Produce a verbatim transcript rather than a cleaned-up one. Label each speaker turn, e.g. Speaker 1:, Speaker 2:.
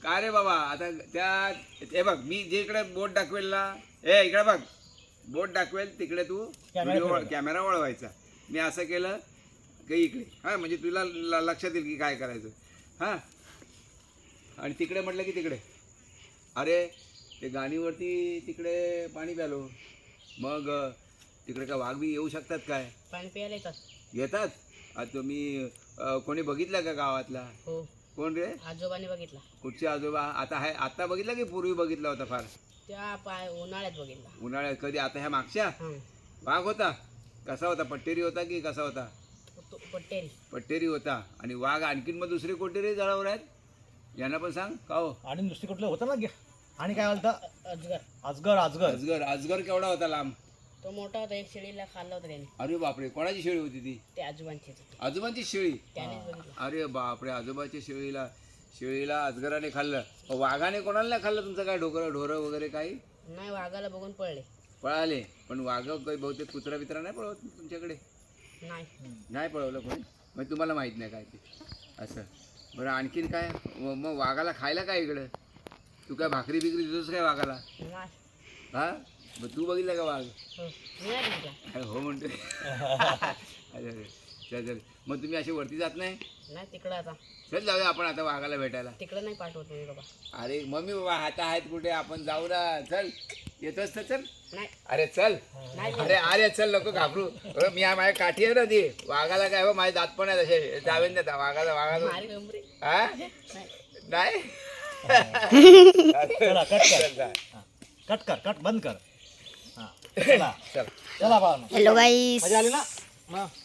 Speaker 1: का रे बाबा आता त्या हे बघ मी जे इकडे बोट दाखवेल ना ए इकडे बघ बोट दाखवेल तिकडे तू व्हिडिओ कॅमेरा वळवायचा. मी असं केलं की इकडे हां म्हणजे तुला ल- लक्षात येईल की काय करायचं हां. आणि तिकडे म्हटलं की तिकडे अरे ते गाणीवरती तिकडे पाणी प्यालो मग तिकडे का वाघ बी येऊ शकतात काय?
Speaker 2: पाणी प्यायला येतात.
Speaker 1: येतात. आता तुम्ही अ, कोणी बघितलं का गावातला?
Speaker 2: हो
Speaker 1: कोण रे?
Speaker 2: आजोबाने बघितला.
Speaker 1: कुठचे आजोबा? आता आहे आता बघितला की पूर्वी बघितला होता फार?
Speaker 2: त्या पाय उन्हाळ्यात बघितला.
Speaker 1: उन्हाळ्यात कधी? आता ह्या मागच्या
Speaker 2: हं.
Speaker 1: वाघ होता. कसा होता? पट्टेरी होता की कसा होता?
Speaker 2: तो पट्टेरी.
Speaker 1: पट्टेरी होता. आणि वाघ आणखीन मग दुसरे कोणते रे जळावर आहेत यांना पण सांग का हो?
Speaker 3: आणि दुसरी कुठलं होतं ना गे- आणि काय बोलतं
Speaker 2: अजगर.
Speaker 3: अजगर अजगर
Speaker 1: अजगर. अजगर केवढा होता लांब?
Speaker 2: तो मोठा होता. एक शेळीला खाल्ला होता त्याने.
Speaker 1: अरे बापरे कोणाची शेळी होती ती?
Speaker 2: ते आजोबांचेच होते.
Speaker 1: आजोबांची शेळी.
Speaker 2: त्यानेच बघितलं.
Speaker 1: अरे बापरे आजोबाच्या शेळीला शेळीला अजगराने खाल्लं. मग वाघाने कोणाला नाही खाल्लं तुमचं काय? ढोकरं ढोरं वगैरे काही
Speaker 2: नाही वाघाला बघून पळले.
Speaker 1: पळाले. पण वाघ काही बहुतेक कुत्रा बित्रा नाही पळवत तुमच्याकडे?
Speaker 2: नाही.
Speaker 1: नाही पळवलं कोणी? मग तुम्हाला माहीत नाही काय ते असं. बरं आणखीन काय? म- मग वाघाला खायला काय इकडं? तू काय भाकरी बिकरी देतोस काय वाघाला?
Speaker 2: नाही.
Speaker 1: हा मग तू बघितलं का वाघ?
Speaker 2: हो. मी नाही बघितला.
Speaker 1: अरे हो म्हणते. अरे अरे चल चल. मग तुम्ही अशी वरती जात नाही?
Speaker 2: नाही तिकडं आता.
Speaker 1: चल जाऊया आपण आता वाघाला भेटायला.
Speaker 2: तिकडं नाही पाठवत मी बाबा.
Speaker 1: अरे मम्मी बाबा हाता आहेत कुठे? आपण जाऊ ना. चल येतोस तर चल.
Speaker 2: नाही.
Speaker 1: अरे चल.
Speaker 2: नाही.
Speaker 1: अरे अरे चल नको घाबरू. अरे मी माझ्या काठी आहे ना ती वाघाला काय हो माझे दात पण आहेत असे जावेन देता वाघाला वाघाला
Speaker 2: मारी गंभीर.
Speaker 1: हा
Speaker 2: नाही.
Speaker 1: नाही.
Speaker 3: चला कट कर हा. कट कर कट बंद कर हा चला
Speaker 1: चल
Speaker 3: चला बाळा
Speaker 4: हॅलो गाईस
Speaker 3: मजा आली ना मग